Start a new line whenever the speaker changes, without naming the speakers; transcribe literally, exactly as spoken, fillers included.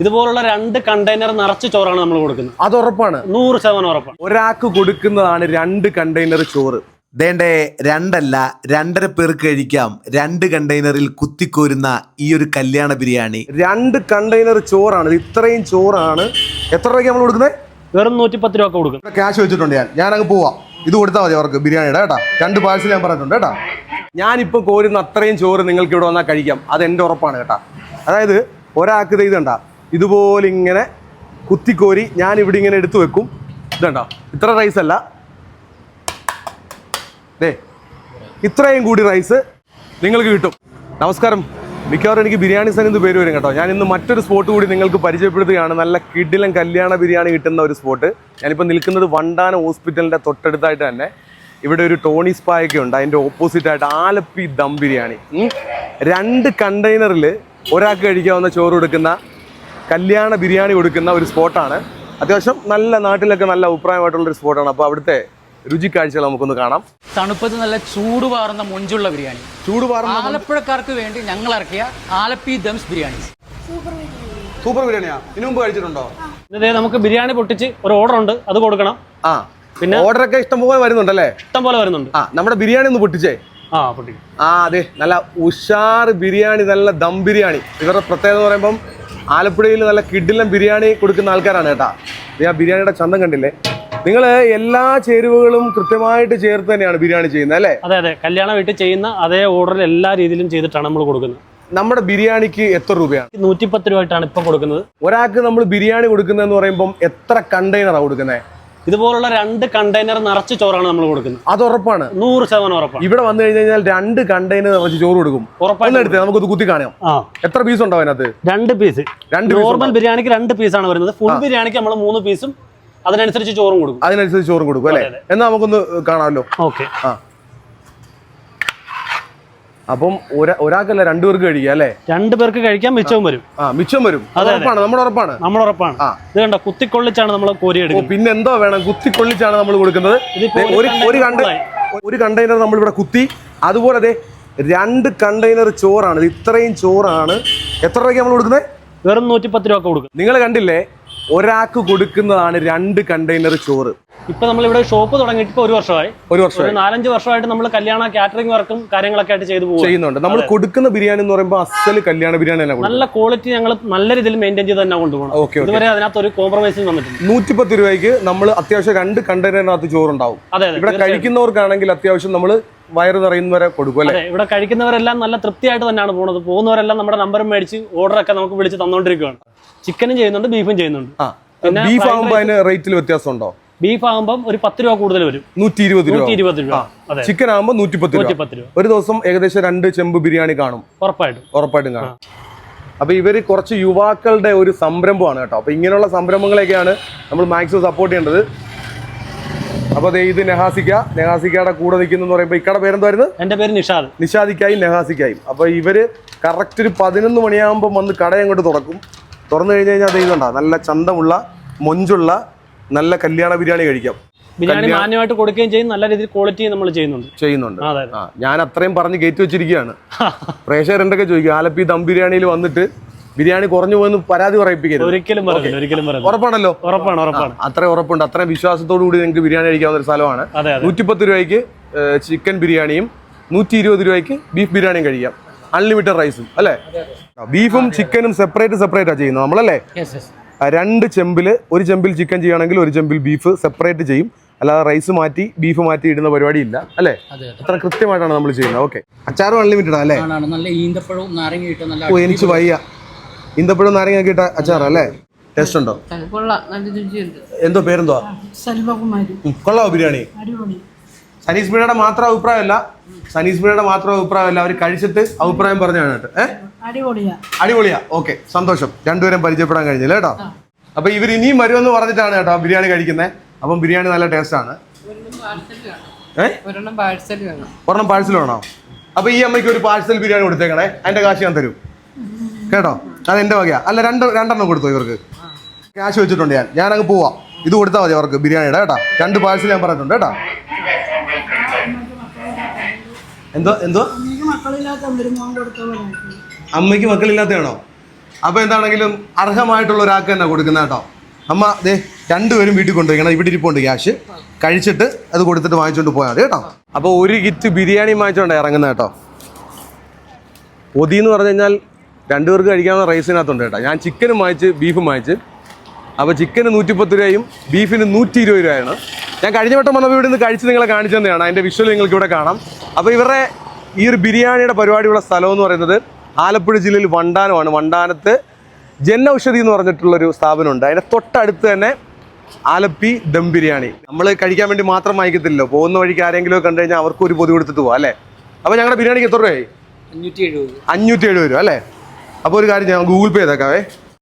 ഇതുപോലുള്ള രണ്ട് കണ്ടെയ്നർ നിറച്ച് ചോറാണ് നമ്മൾ കൊടുക്കുന്നത്.
അത് ഉറപ്പാണ്,
നൂറ് ശതമാനം ഉറപ്പാണ്.
ഒരാൾക്ക് കൊടുക്കുന്നതാണ് രണ്ട് കണ്ടെയ്നർ ചോറ്.
ദേണ്ടേ രണ്ടല്ല രണ്ടര പേർക്ക് കഴിക്കാം രണ്ട് കണ്ടെയ്നറിൽ കുത്തിക്കോരുന്ന ഈ ഒരു കല്യാണ ബിരിയാണി.
രണ്ട് കണ്ടെയ്നർ ചോറാണ്, ഇത്രയും ചോറാണ്. എത്ര രൂപയ്ക്ക് നമ്മൾ കൊടുക്കുന്നത്?
വെറും നൂറ്റി പത്ത് രൂപ കൊടുക്കും.
ക്യാഷ് വെച്ചിട്ടുണ്ട് ഞാൻ ഞാൻ അങ്ങ് പോവാം. ഇത് കൊടുത്താൽ മതി അവർക്ക് ബിരിയാണിയുടെ കേട്ടാ. രണ്ട് പാഴ്സൽ ഞാൻ പറഞ്ഞിട്ടുണ്ട് കേട്ടാ. ഞാനിപ്പോൾ കോരുന്ന അത്രയും ചോറ് നിങ്ങൾക്ക് ഇവിടെ വന്നാൽ കഴിക്കാം, അത് എൻ്റെ ഉറപ്പാണ് കേട്ടാ. അതായത് ഒരാൾക്ക് ഇത് ഇതുണ്ടാ ഇതുപോലെ ഇങ്ങനെ കുത്തിക്കോരി ഞാൻ ഇവിടെ ഇങ്ങനെ എടുത്തു വെക്കും. ഇതുണ്ടാ ഇത്ര റൈസ് അല്ല, ദേ ഇത്രയും കൂടി റൈസ് നിങ്ങൾക്ക് കിട്ടും. നമസ്കാരം. മിക്കവാറും എനിക്ക് ബിരിയാണി സൻ എന്ന് പേര് വരും കേട്ടോ. ഞാൻ ഇന്ന് മറ്റൊരു സ്പോട്ട് കൂടി നിങ്ങൾക്ക് പരിചയപ്പെടുത്തുകയാണ്. നല്ല കിടിലൻ കല്യാണ ബിരിയാണി കിട്ടുന്ന ഒരു സ്പോട്ട്. ഞാനിപ്പോൾ നിൽക്കുന്നത് വണ്ടാനം ഹോസ്പിറ്റലിൻ്റെ തൊട്ടടുത്തായിട്ട് തന്നെ. ഇവിടെ ഒരു ടോണി സ്പായൊക്കെ ഉണ്ട്, അതിൻ്റെ ഓപ്പോസിറ്റായിട്ട് ആലപ്പി ദം ബിരിയാണി. രണ്ട് കണ്ടെയ്നറിൽ ഒരാൾക്ക് കഴിക്കാവുന്ന ചോറ് കൊടുക്കുന്ന കല്യാണ ബിരിയാണി കൊടുക്കുന്ന ഒരു സ്പോട്ടാണ്. അത്യാവശ്യം നല്ല നാട്ടിലൊക്കെ നല്ല അഭിപ്രായമായിട്ടുള്ളൊരു സ്പോട്ടാണ്. അപ്പോൾ അവിടുത്തെ രുചിക്കാഴ്ചകൾ നമുക്കൊന്ന് കാണാം.
തണുപ്പത്ത് നല്ല ചൂട് പാറുന്ന മൊഞ്ചുള്ള ബിരിയാണി.
ചൂട് പാറുന്ന
ആലപ്പുഴക്കാർക്ക് വേണ്ടി ഞങ്ങൾ ഇറക്കിയ ആലപ്പി ദംസ് ബിരിയാണി.
സൂപ്പർ ബിരിയാണിയാ. ഇതിനു മുമ്പ് കഴിച്ചിട്ടുണ്ടോ?
ഇതേ നമുക്ക് ബിരിയാണി പൊട്ടിച്ച് ഒരു ഓർഡർ ഉണ്ട്, അത് കൊടുക്കണം.
ആ പിന്നെ ഓർഡറൊക്കെ ഇഷ്ടംപോലെ വരുന്നുണ്ടല്ലേ?
ഇഷ്ടം പോലെ വരുന്നുണ്ട്.
ആ നമ്മുടെ ബിരിയാണി ഒന്ന് പൊട്ടിച്ചേ.
ആ പൊട്ടി.
ആ അതെ, നല്ല ഉഷാർ ബിരിയാണി, നല്ല ദം ബിരിയാണി. ഇവരുടെ പ്രത്യേകത എന്ന് പറയുമ്പം ആലപ്പുഴയിൽ നല്ല കിടിലൻ ബിരിയാണി കൊടുക്കുന്ന ആൾക്കാരാണ് കേട്ടാ. ആ ബിരിയാണിയുടെ ചന്തം കണ്ടില്ലേ? നിങ്ങൾ എല്ലാ ചേരുവകളും കൃത്യമായിട്ട് ചേർത്ത് തന്നെയാണ് ബിരിയാണി ചെയ്യുന്നത് അല്ലേ?
അതെ അതെ, കല്യാണ വീട്ടിൽ ചെയ്യുന്ന അതേ ഓർഡറിൽ എല്ലാ രീതിയിലും ചെയ്തിട്ടാണ് നമ്മൾ കൊടുക്കുന്നത്.
നമ്മുടെ ബിരിയാണിക്ക് എത്ര രൂപയാണ്?
നൂറ്റിപ്പത്ത് രൂപയായിട്ടാണ് ഇപ്പൊ കൊടുക്കുന്നത്.
ഒരാൾക്ക് നമ്മൾ ബിരിയാണി കൊടുക്കുന്നതെന്ന് പറയുമ്പോൾ എത്ര കണ്ടെയ്നറാണ് കൊടുക്കുന്നത്?
ഇതുപോലുള്ള രണ്ട് കണ്ടെയ്നർ നിറച്ച് ചോറാണ് നമ്മൾ കൊടുക്കുന്നത്.
അത് ഉറപ്പാണ്,
നൂറ് ശതമാനം ഉറപ്പാണ്.
ഇവിടെ വന്നു കഴിഞ്ഞാൽ രണ്ട് കണ്ടെയ്നർ നിറച്ച് ചോറ് കൊടുക്കും. ഉറപ്പാണ്. എടുത്ത് നമുക്കൊന്ന് കുത്തി കാണാം. എത്ര പീസ് ഉണ്ടാവും അതിനകത്ത്? രണ്ട് പീസ്. രണ്ട്
നോർമൽ ബിരിയാണിക്ക് രണ്ട് പീസാണ് വരുന്നത്. ഫുൾ ബിരിയാണിക്ക് നമ്മൾ മൂന്ന് പീസും അതിനനുസരിച്ച് ചോറും കൊടുക്കും.
അതിനനുസരിച്ച് ചോറും കൊടുക്കും അല്ലേ? എന്നാ നമുക്കൊന്ന് കാണാമല്ലോ.
ഓക്കെ.
ആ അപ്പം ഒരാൾക്കല്ല രണ്ടു പേർക്ക് കഴിക്കാം അല്ലേ?
രണ്ടു പേർക്ക് കഴിക്കാൻ മിച്ചവും വരും.
ആ മിച്ചം വരും. ഉറപ്പാണ്, നമ്മുടെ ഉറപ്പാണ്.
നമ്മുടെ ഉറപ്പാണ്. ഇത് കണ്ട കുത്തിക്കൊള്ളിച്ചാണ് നമ്മൾ കോരി എടുക്കുന്നത്.
പിന്നെ എന്തോ വേണം, കുത്തിക്കൊള്ളിച്ചാണ് നമ്മൾ കൊടുക്കുന്നത്. ഒരു കണ്ട ഒരു കണ്ടെയ്നർ നമ്മൾ ഇവിടെ കുത്തി. അതുപോലെ അതെ രണ്ട് കണ്ടെയ്നർ ചോറാണ്. ഇത്രയും ചോറാണ്. എത്ര രൂപയ്ക്ക് നമ്മൾ കൊടുക്കുന്നത്?
വെറും നൂറ്റിപ്പത്ത് രൂപ കൊടുക്കും.
നിങ്ങൾ കണ്ടില്ലേ, ഒരാൾക്ക് കൊടുക്കുന്നതാണ് രണ്ട് കണ്ടെയ്നർ ചോറ്.
ഇപ്പൊ നമ്മളിവിടെ ഷോപ്പ് തുടങ്ങിയിട്ട് ഇപ്പൊ ഒരു വർഷമായി.
ഒരു വർഷം
നാലഞ്ച് വർഷമായിട്ട് നമ്മൾ കല്യാണ കാറ്ററിംഗ് വർക്കും കാര്യങ്ങളൊക്കെ ആയിട്ട് ചെയ്തു പോകും
ചെയ്യുന്നുണ്ട്. നമ്മൾ കൊടുക്കുന്ന ബിരിയാണി എന്ന് പറയുമ്പോൾ അസൽ കല്യാണ ബിരിയാണി തന്നെ. നല്ല
ക്വാളിറ്റി ഞങ്ങൾ നല്ല രീതിയിൽ മെയിൻറ്റെയിൻ ചെയ്ത് തന്നെ കൊണ്ടുപോകണം. ഇതുവരെ അതിനകത്ത് ഒരു കോംപ്രമൈസും വന്നിട്ടുണ്ട്.
നൂറ്റിപ്പത്ത് രൂപയ്ക്ക് നമ്മൾ അത്യാവശ്യം രണ്ട് കണ്ടെയ്നറിനകത്ത് ചോറുണ്ടാവും.
അതെ,
ഇവിടെ കഴിക്കുന്നവർക്കാണെങ്കിൽ അത്യാവശ്യം നമ്മൾ വയറ് നിറയുന്നവരെ കൊടുക്കും അല്ലേ?
ഇവിടെ കഴിക്കുന്നവരെല്ലാം നല്ല തൃപ്തിയായിട്ട് തന്നെയാണ് പോകുന്നത്. പോകുന്നവരെല്ലാം നമ്മുടെ നമ്പർ മേടിച്ച് ഓർഡറൊക്കെ നമുക്ക് വിളിച്ച് തന്നോണ്ടിരിക്കുകയാണ്. ചിക്കനും ചെയ്യുന്നുണ്ട്, ബീഫും ചെയ്യുന്നുണ്ട്.
പിന്നെ ബീഫ് ആകുമ്പോൾ അതിന് റേറ്റിൽ വ്യത്യാസം ഉണ്ടോ?
ബീഫ് ആകുമ്പോൾ ഒരു പത്ത് രൂപ കൂടുതൽ വരും.
നൂറ്റി ഇരുപത് രൂപ.
നൂറ്റി ഇരുപത് രൂപ.
ചിക്കൻ ആകുമ്പോൾ നൂറ്റിപ്പത്ത് രൂപ. ഒരു ദിവസം ഏകദേശം രണ്ട് ചെമ്പ് ബിരിയാണി കാണും.
ഉറപ്പായിട്ടും
ഉറപ്പായിട്ടും കാണും. അപ്പൊ ഇവര് കുറച്ച് യുവാക്കളുടെ ഒരു സംരംഭമാണ് കേട്ടോ. അപ്പൊ ഇങ്ങനെയുള്ള സംരംഭങ്ങളെയൊക്കെയാണ് നമ്മൾ മാക്സിമം സപ്പോർട്ട് ചെയ്യേണ്ടത്. അപ്പൊ ഇത് നെഹാസിക്ക നെഹാസിക്കയുടെ കൂടെ നിൽക്കുന്ന പറയുമ്പോൾ ഇക്കടെ പേരെന്തായിരുന്നു?
എന്റെ പേര് നിഷാദ്.
നിഷാദിക്കായും നെഹാസിക്കായും. അപ്പൊ ഇവര് കറക്റ്റ് ഒരു പതിനൊന്ന് മണിയാകുമ്പോൾ വന്ന് കട അങ്ങോട്ട് തുറക്കും. തുറന്നു കഴിഞ്ഞ് കഴിഞ്ഞാൽ അത് ഇതുണ്ടാ നല്ല ചന്തമുള്ള മൊഞ്ചുള്ള നല്ല കല്യാണ ബിരിയാണി കഴിക്കാം.
ബിരിയാണി മാന്യമായിട്ട് കൊടുക്കുകയും ചെയ്യും, നല്ല രീതിയിൽ ക്വാളിറ്റി നമ്മൾ ചെയ്യുന്നുണ്ട്
ചെയ്യുന്നുണ്ട് ഞാൻ അത്രയും പറഞ്ഞ് കയറ്റി വെച്ചിരിക്കുകയാണ്. പ്രേക്ഷകർ എന്തൊക്കെ ചോദിക്കും, ആലപ്പി ദം ബിരിയാണിയിൽ വന്നിട്ട് ബിരിയാണി കുറഞ്ഞു പോയെന്ന് പരാതി പറയിപ്പിക്കരുത്.
ഒരിക്കലും ഒരിക്കലും
ഉറപ്പാണല്ലോ?
ഉറപ്പാണ് ഉറപ്പാണ്
അത്രയും ഉറപ്പുണ്ട്. അത്രയും വിശ്വാസത്തോടു കൂടി നിങ്ങൾക്ക് ബിരിയാണി കഴിക്കാവുന്ന ഒരു സ്ഥലമാണ്. നൂറ്റിപ്പത്ത് രൂപയ്ക്ക് ചിക്കൻ ബിരിയാണിയും നൂറ്റി ഇരുപത് രൂപയ്ക്ക് ബീഫ് ബിരിയാണിയും കഴിക്കാം. അൺലിമിറ്റഡ് റൈസും അല്ലേ? ബീഫും ചിക്കനും സെപ്പറേറ്റ് സെപ്പറേറ്റ് ആണ് ചെയ്യുന്നത് നമ്മളല്ലേ? രണ്ട് ചെമ്പില് ഒരു ചെമ്പിൽ ചിക്കൻ ചെയ്യുകയാണെങ്കിൽ ഒരു ചെമ്പിൽ ബീഫ് സെപ്പറേറ്റ് ചെയ്യും. അല്ലാതെ റൈസ് മാറ്റി ബീഫ് മാറ്റി ഇടുന്ന പരിപാടി ഇല്ല അല്ലേ? അത്ര കൃത്യമായിട്ടാണ് നമ്മൾ ചെയ്യുന്നത്. ഓക്കെ. അച്ചാറും അൺലിമിറ്റഡ് അല്ലേ? ഓ എനിക്ക് വയ്യ. ഈന്തപ്പഴവും നാരങ്ങ ഇട്ട അച്ചാർ അല്ലേ? ടേസ്റ്റ് ഉണ്ടോ? എന്തോ പേരെന്തോ? കൊള്ളാവോ ബിരിയാണി? സനീസ് ബിരിയാണിയുടെ മാത്രം അഭിപ്രായമല്ല, സനീസ് ബിരിയാണിയുടെ മാത്രം അഭിപ്രായമല്ല, അവർ കഴിച്ചിട്ട് അഭിപ്രായം പറഞ്ഞാണ് കേട്ടോ. ഏഹ് അടിപൊളിയാ. ഓക്കെ, സന്തോഷം. രണ്ടുപേരും പരിചയപ്പെടാൻ കഴിഞ്ഞില്ല കേട്ടോ. അപ്പൊ ഇവർ ഇനിയും വരുമെന്ന് പറഞ്ഞിട്ടാണ് കേട്ടോ ബിരിയാണി കഴിക്കുന്നത്. അപ്പം ബിരിയാണി നല്ല ടേസ്റ്റ് ആണ്. ഏഹ് ഒരെണ്ണം പാഴ്സൽ വേണോ? അപ്പൊ ഈ അമ്മയ്ക്ക് ഒരു പാഴ്സൽ ബിരിയാണി കൊടുത്തേക്കണേ, അതിന്റെ കാശ് ഞാൻ തരും കേട്ടോ. അത് എന്റെ വകയാ. അല്ല രണ്ട് രണ്ടെണ്ണം കൊടുത്തോ ഇവർക്ക്. ക്യാഷ് വെച്ചിട്ടുണ്ട് ഞാൻ ഞാൻ അങ്ങ് പോവാം. ഇത് കൊടുത്താൽ മതി അവർക്ക് ബിരിയാണിയുടെ കേട്ടോ. രണ്ട് പാഴ്സൽ ഞാൻ പറഞ്ഞിട്ടുണ്ട് കേട്ടോ. എന്തോ എന്തോ അമ്മയ്ക്ക് മക്കളില്ലാത്തതാണോ? അപ്പോൾ എന്താണെങ്കിലും അർഹമായിട്ടുള്ള ഒരാൾക്ക് തന്നെ കൊടുക്കുന്ന കേട്ടോ. അമ്മ ദേ രണ്ടുപേരും വീട്ടിൽ കൊണ്ടുപോയി, ഇവിടെ ഇരിപ്പുണ്ട് ക്യാഷ്, കഴിച്ചിട്ട് അത് കൊടുത്തിട്ട് വാങ്ങിച്ചുകൊണ്ട് പോയാൽ മതി കേട്ടോ. അപ്പോൾ ഒരു കിറ്റ് ബിരിയാണി വാങ്ങിച്ചുകൊണ്ട് ഇറങ്ങുന്നത് കേട്ടോ. പൊതി എന്ന് പറഞ്ഞു കഴിഞ്ഞാൽ രണ്ടുപേർക്ക് കഴിക്കാവുന്ന റൈസിനകത്തുണ്ട് കേട്ടോ. ഞാൻ ചിക്കനും വാങ്ങിച്ച് ബീഫും വാങ്ങിച്ച്. അപ്പോൾ ചിക്കന് നൂറ്റിപ്പത്ത് രൂപയും ബീഫിന് നൂറ്റി ഇരുപത് രൂപയാണ്. ഞാൻ കഴിഞ്ഞ വട്ടം വന്നപ്പോൾ ഇവിടെ നിന്ന് കഴിച്ച് നിങ്ങളെ കാണിച്ചു തന്നെയാണ്. അതിൻ്റെ വിഷ്വൽ നിങ്ങൾക്ക് ഇവിടെ കാണാം. അപ്പോൾ ഇവരുടെ ഈ ഒരു ബിരിയാണിയുടെ പരിപാടിയുള്ള സ്ഥലം എന്ന് പറയുന്നത് ആലപ്പുഴ ജില്ലയിൽ വണ്ടാനമാണ്. വണ്ടാനത്ത് ജൻ ഔഷധി എന്ന് പറഞ്ഞിട്ടുള്ളൊരു സ്ഥാപനമുണ്ട്. അതിൻ്റെ തൊട്ടടുത്ത് തന്നെ ആലപ്പി ദം ബിരിയാണി. നമ്മൾ കഴിക്കാൻ വേണ്ടി മാത്രം വാങ്ങിക്കത്തില്ലല്ലോ, പോകുന്ന വഴിക്ക് ആരെങ്കിലും കണ്ടു കഴിഞ്ഞാൽ അവർക്ക് ഒരു പൊതി കൊടുത്തിട്ട് പോകാം അല്ലേ. അപ്പോൾ ഞങ്ങളുടെ ബിരിയാണിക്ക് എത്ര രൂപയായി?
അഞ്ഞൂറ്റി എഴുപത്
അഞ്ഞൂറ്റി എഴുപത് രൂപ അല്ലേ. അപ്പോൾ ഒരു കാര്യം ഞാൻ ഗൂഗിൾ പേ ചെയ്തേക്കാവേ.